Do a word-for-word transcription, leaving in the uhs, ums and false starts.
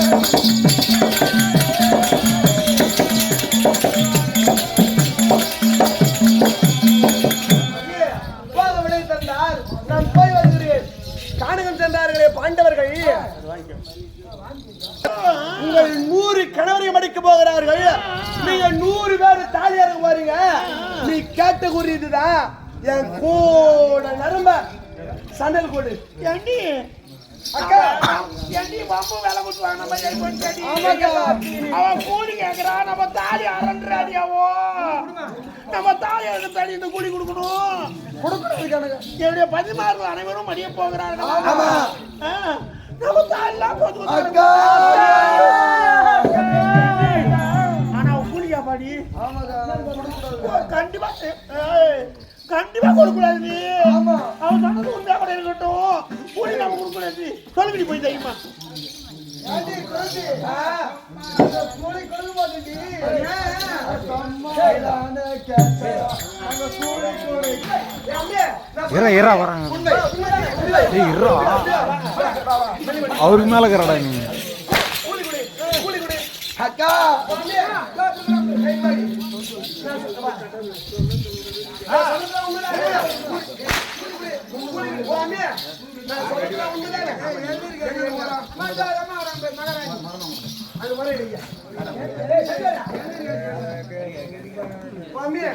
உங்கள் நூறு கணவரை மடிக்க போகிறார்கள். நீங்க நூறு பேர் தாலியாக போறீங்க. நீ கேட்ட குறி இதுதான். என் கூட நரம்ப சண்டல் கூடு ஏண்டி அக்கா ஏண்டி பாம்பு வேலை கொடுத்துவாங்க நம்ம கை பண்ணி அவன் கூலி கேட்கறா. நம்ம தாலி அரண்டாடியாவோ நம்ம தாலி அறந்து தாலி இந்த கூலி கொடுக்கணும் கொடுக்கணும். என்னுடைய பதிமாறு அனைவரும் மடிய போகிறாங்க. நம்ம தாலிலாம் ஆனா கூலியா பாடி கண்டிப்பா கண்டிப்பா கொடுக்கூடாது. அவன் சொன்னது உண்மையா கூட இருக்கட்டும். கூலி நம்ம கொடுக்கூடாது. சொல்லுங்கடி போய் தெரியுமா அவருக்கு மேல இருக்கிறடா நீ அக்கா மாமியா